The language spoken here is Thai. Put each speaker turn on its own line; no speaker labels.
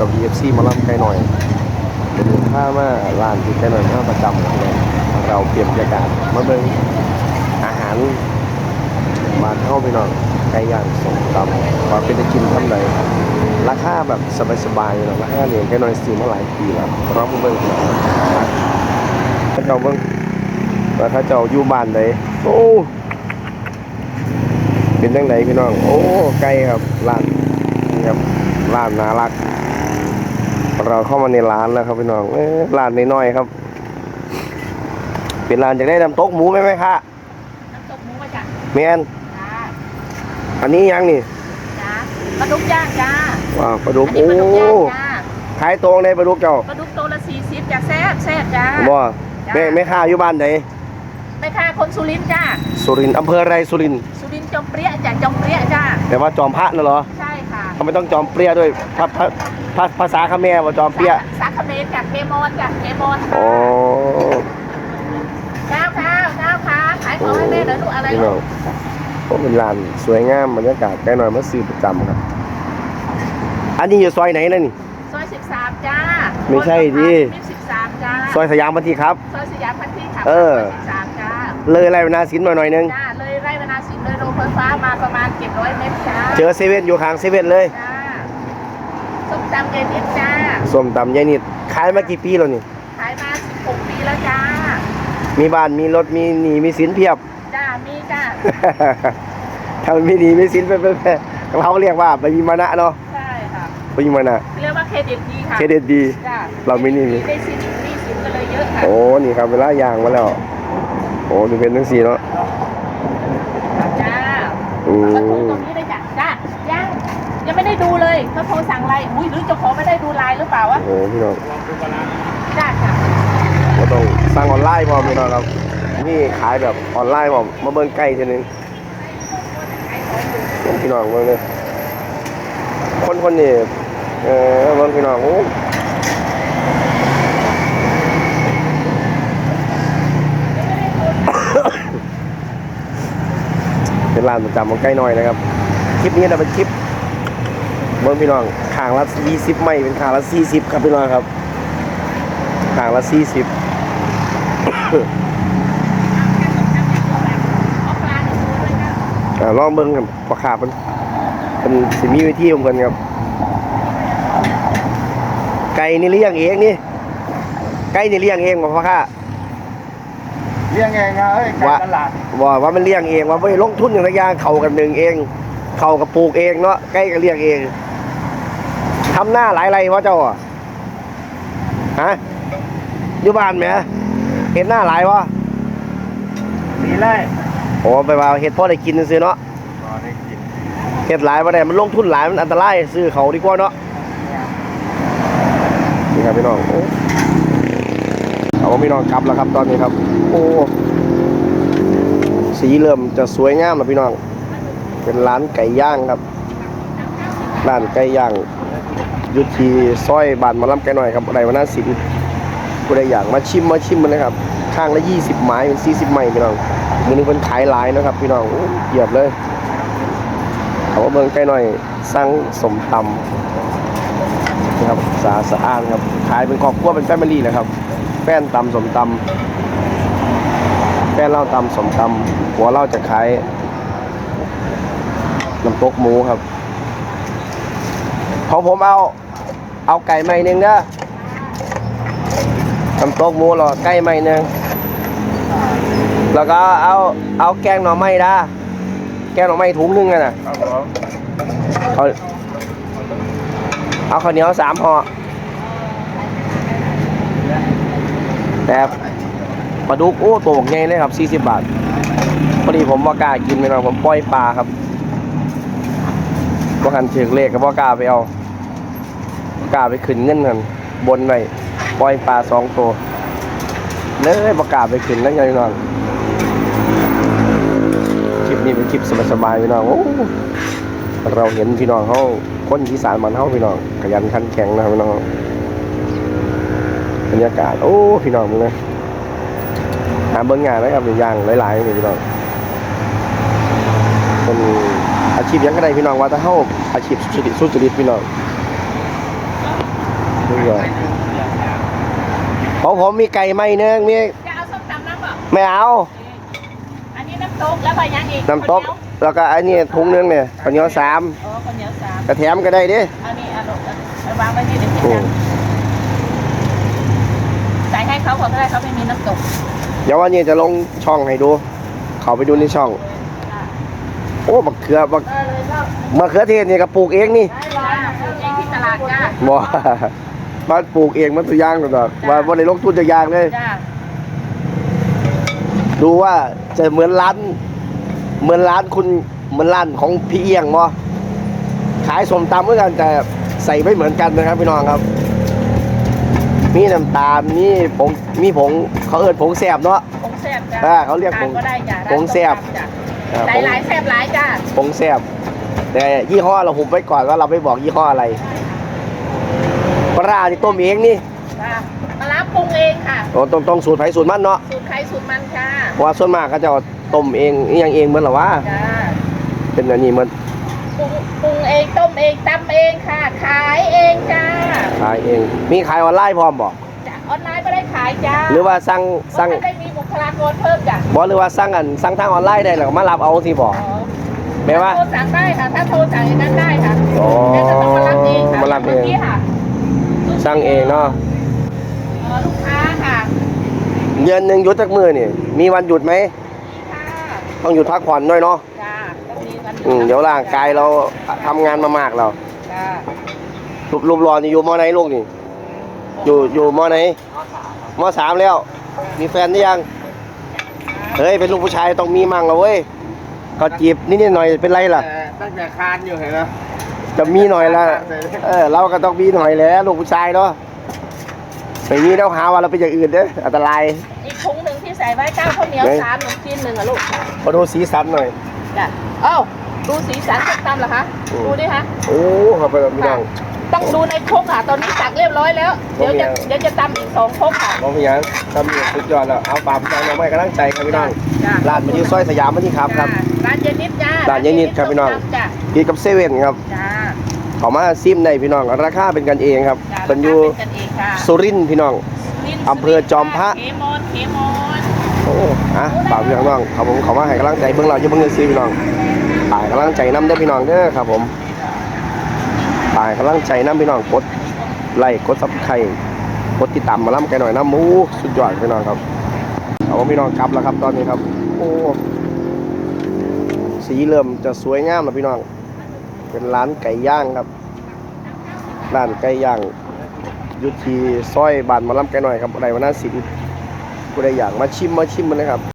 วัสดีFCมาล่ำไกลหน่อยเป็นข้ามาร้านที่ไกลหน่อยข้าประจำเลยเราเปลี่ยนบรรยากาศมาเบิ่งอาหารมาเข้าไปหน่อยไก่ย่างส้มตำว่าเป็นจะกินท่านใดราคาแบบสบายๆเนาะราคาเนี่ยไกลหน่อยซื้อมาหลายปีแล้วเรามาเบิ่งถ้าเจ้าเบิ่งแล้วถ้าเจ้าอยู่บ้านใดโอ้เป็นจังไดพี่น้องโอ้ไก่ครับร้านนี่ครับร้านน่ารักเราเข้ามาในร้านแล้วครับพี่น้องร้านน้อยๆครับเป็นร้านจะได้น้ำตกหมูไหมคะ
น้ำตกหมูมาจาก
แมนอันนี้ยังนี่
จ้าปลาดุกย่างจ้า
ว้าวปลาดุกโอ้ขายตรงในปลาดุกเจ้า
ปลาดุกตัวละ40จ้าแซ่บจ้า
บ่แม่ค้าอยู่บ้านไหน
แม่ค้าคนสุรินทร์จ้า
สุรินทร์อำเภออะไรสุรินทร์
จอมเปรี้ยจ้าจอมเปรี้ยจ้า
แต่ว่าจอมพระน่ะเหรอ
ใช่ค่ะ
เขาไม่ต้องจอมเปรี้ยด้วยภาษาเขมรว่าจอมเปรี้ย
ภาษาเขมรจากเคมอนจากเคมอน
โอ้
ข้าวขายของให้แม่เดี๋ยวดูอะไรลูก
ก็เป็นร้านสวยงามบรรยากาศใกล้หน่อยมาซื้อประจำครับอันนี้อยู่ซอยไหนนั่นนี่
ซอย13จ้า
ไม่ใช่ดิ
13จ้า
ซอยสยามพันธีครับ
ซอยสยามพันธีครับ13จ้า
เลยไรวนาสินหน่อยนึง
จ้าเลยไรวนาสินเลยโรงไฟฟ้ามาประมาณ700 เมตรจ้า
เจอเซเว่นอยู่ข้างเซเว่นเลย
จ้าส้มตำยายนิดจ้า
ส้มตำยายนิดขายมากี่ปีแล้วนี่
ขายมา16 ปีแล้วจ้า
มีบ้านมีรถมีหนี้มีสินเพียบ
จ้ามีจ้า
ถ้ามันมีหนี้มีสินเป็นเขาเรียกว่าไปมีมานะเนาะ
ใช่ค่ะ
ไปมีมานะ
เรียกว่าเครดิตดีค่ะ
เครดิตดีเราไม่นี่
ได้สินก็เลยเยอะค่ะ
โอ้นี่ครับเวลาย่างมาแล้วโอ้ดูเป็นทั้งสี่เนาะ
จ้าก็โทรตรงนี้เลยจ้ายังไม่ได้ดูเลยเขาโทรสั่งอะไรอุ้ยหรือเจ้าของไม่ได้ดูไลน์หรือเปล่าวะ
โอ้พี่น้อง
จ้า
เราต้องสั่งออนไลน์พร้อมพี่น้องครับนี่ขายแบบออนไลน์พร้อมมาเบิ่งใกล้ทีนึงพี่น้องเบิ่งเลยคนนี่เบิ่งพี่น้องโอ้เป็นร้านประจำของใกล้หน่อยนะครับคลิปนี้จะเป็นคลิปเบิ่งพี่น้องข้างละ20ไม่เป็นข้างละ40ครับพี่น้องครับข้างละ40ลองเบิ่งครับราคาเป็นสิมีวิธีของเพิ่นครับไก่นี่เลี้ยงเองนี่ไก่นี่เลี้ยงเองบ่พ่อค้า
เลี้ยงเองครับไก่ตลาด
ว่ามันเลี้ยงเองว่าไม่ลงทุนอย่างไรอย่างเขากันหนึ่งเองเขากับปลูกเองเนาะไก่ก็เลี้ยงเองทำหน้าหลายไรวะเจ้าอ่ะฮะอยู่บ้านไหมเห็ดหน้าหลายวะ
มีไร
โอ้ไปว่าเห็ดพ่อได้กินซื้อเนาะเห็ดหลายมาได้มันลงทุนหลายมันอันตรายซื้อเขาดีกว่าเนาะนี่ครับพี่น้องเอาพี่น้องกลับแล้วครับตอนนี้ครับโอ้สีเริ่มจะสวยงามแล้วพี่น้องเป็นร้านไก่ย่างครับร้านไก่ย่างยุทธีซอยบานมาล้ำไก่หน่อยครับอะไรวะน่าสินผู้ใดอยากมาชิมมันนะครับข้างละ20 ไม้เป็น40 ไม้พี่น้องมือนึงเป็นขายหลายนะครับพี่น้องเหยียบเลยเอาเมืองไก่หน่อยสั่งสมตำนะครับสะอาดครับขายเป็นครอบครัวเป็นแฟมิลี่นะครับแป้นตำสมตำแป้นเหล้าตำสมตำหัวเหล้าจะขายน้ำตกหมูครับของผมเอาไก่ไม้นึงเด้อน้ำตกหมูหรอไก่ไม้นึงแล้วก็เอาแกงหน่อไม้ด้าแกงหน่อไม้ถุงนึงน่ะเอาข้าวเหนียว3 ห่อแต่ปลาดุกโอ้ตัวใหญ่เลยครับ40 บาทพอดีผมว่ากล้ากินไปหน่อยผมปล่อยปลาครับก็หันถึงเลขกับว่ากล้าไปเอากล้าไปขึ้นเงินกันบนไปปล่อยปลา2 ตัวเลยประกาศไปขึ้นแล้วไงพี่น้องคลิปนี้เป็นคลิปสบายๆพี่น้องโอ้เราเห็นพี่น้องเขาคนอีสานมันเขาพี่น้องขยันขันแข็งนะพี่น้องบรรยากาศโอ้พี่น้องมึงเลยหาเบิ้งงานนะครับอย่างหลายๆนี่พี่น้องเป็นอาชีพยังก็ได้พี่น้องว่าถ้าเข้าอาชีพสุจริตพี่น้องผมมีไก่ไหมเนื้อมี
จะเอาส้มตำน้ำเปล่า
ไม่เอา
อันนี้น้ำตกแล้วไปยังอีก
น้ำตกแล้วก็อันนี้ถุงนึงเนี่ยข้าวเหนียว3
อ๋อข้าวเหนียว3
กระแถมก็ได้ดิ
อันนี้อร่อยไปวางไว้นี่เดี๋ยวคิดกันใส่ให้เขาก่อนก็ได้เขาไม่มีน้ำตก
เดี๋ยววันนี้จะลงช่องให้ดู เขาไปดูในช่อง โอ้บักเขือบัก
เลยก็
มะเขือเทศนี่ก็ปลูกเองนี่
ได้ร้อยปลูกเองที่ตลาดจ้า
บ่ บ้านปลูกเองมันตัวอย่างตัวดอกว่าบ่ได้ลงทุนจะยางเลย
จ้า
ดูว่าจะเหมือนร้านคุณเหมือนร้านของพี่เอียงบ่ขายส้มตำเหมือนกันแต่ใส่ไม่เหมือนกันนะครับพี่น้องครับ มีน้ำตาลมีผงเขาเอิ้นผงแซ่บเนาะ
ผงแซ่บจ้า
เขาเรียกผง
ก็ได้จ้า
ผงแซ่บ
หลายหลายแซ่บหลายจ้า
ผงแซ่บแต่ยี่ห้อเราหุบไว้ก่อนว่าเราไม่บอกยี่ห้ออะไรปลาร้าที่ต้มเองนี่
จ้าปลาร้าปรุงเองค่ะ
ต้องสูตรไผสูตรมันเนาะ
สูตรใครสูตรมันค่ะ
เพราะว่าส่วนมากเขาจะเอาต้มเองอหยังเองเหมือนหรอวะ
จ้า
เป็นอันนี้มัน
ปรุงเองต้มเองตำเองค่ะ ขายเองจ้า
ขายเอง มีขายออนไลน์พร้อมบ่
จ้าออนไลน์ก็ได้ขายจ้า
หรือว่าสั่ง
ไม่ได้มีบุคลากรเพิ่มจ้ะ
บ่หรือว่าสั่งทางออนไลน์ได้แล้วก็มารับเอาที่บ่
อ๋อ
แปลว่า
โทรสั่งได้ค่ะ ถ้าโทรสั่งอย่างนั้นได้ค่ะ
อ๋อ
แต่จะต้องมารับเองค่ะ
มารับเอง
มื่กี้ค่ะ
สั่งเองเนาะ
ลูกค้าค่ะ
เดือนหนึงหยุดจักมื้อนี่มีวันหยุดไหม
ค่ะ
ต้องหยุดพักผ่อนด้วยเนาะ
จ้าต้องมีวันหยุ
เดี๋ยวร่างกายเราทำงานมามากเรา
จ้า
รูปรอนี่อยู่มอไหนลูกนี่อยู่มอไหนมอ3แล้ว มีแฟนหรือยังเฮ้ยเป็นลูกผู้ชายต้องมีมั่งเอาเว้ยเขาจีบนิดๆหน่อยเป็นไรล่ะ
ตั้งแต่คานอยู่เห็นไหม
จะมีหน่อยละเราก็ต้องมีหน่อยแหล้วลูกผู้ชายเนาะไม่มีแล้วหาว่าเราเป็นอย่างอื่นเด้ออันตราย
อีกถุงหนึ่งที่ใส่ไว้ข้าวเหนียว
ไหน
3ขนมจีน1อ่ะลูก
มาดูสีสันหน่อย
จ้ะเอ้าดูสีสันส้มตำเหรอคะ
อืม
ดูดิคะ
โอ้เขาไปแบบพี่น้อง
ต้องดูในครกค่ะ ตอนนี้ตักเรียบร้อยแล้ว เดี๋ยวจะตำอีก2ครกค่ะ
มองพี่ยังทำอยู่สุดยอดแล้วเอาปามใจเราไม่กำลังใจครับพี่น้อง
จ้ะ
ร้านมันอยู่ซอยสยามมันนี่ครับครับ
จ้ะร้านเยนนิดจ้า
ร้านเยนนิดครับพี่น้อง
จ้ะ
กินกับเซเว่นครับ
จ้า
เขามาซิมในพี่น้องราคาเป็นกันเองครับ
จ้ะ
เป็นอยู่
ราคาเป็นกันเองค่ะ
สุรินทร์พี่น้อง อำเภอจอมพระ
เคมอนเคมอน
โอ้อะฝากพี่น้องครับผมเขามาให้กำลังใจเบื้องเราจะเบื้องเงินซื้อพี่น้องฝากกำลังใจน้ำเด้อพี่น้องเด้อครับผมฝากกำลังใจน้ำพี่น้องกดไลค์กดซับสไครต์กดติดตามมาล้ำกันหน่อยน้ำหมูสุดยอดพี่น้องครับเอาพี่น้องกลับแล้วครับตอนนี้ครับโอ้สีเริ่มจะสวยงามแล้วพี่น้องเป็นร้านไก่ย่างครับร้านไก่ย่างอยู่ที่ซอยบ้านมาล้ำกันหน่อยครับอะไรวะน่าสินผู้ใดอยากมาชิมมันนะครับ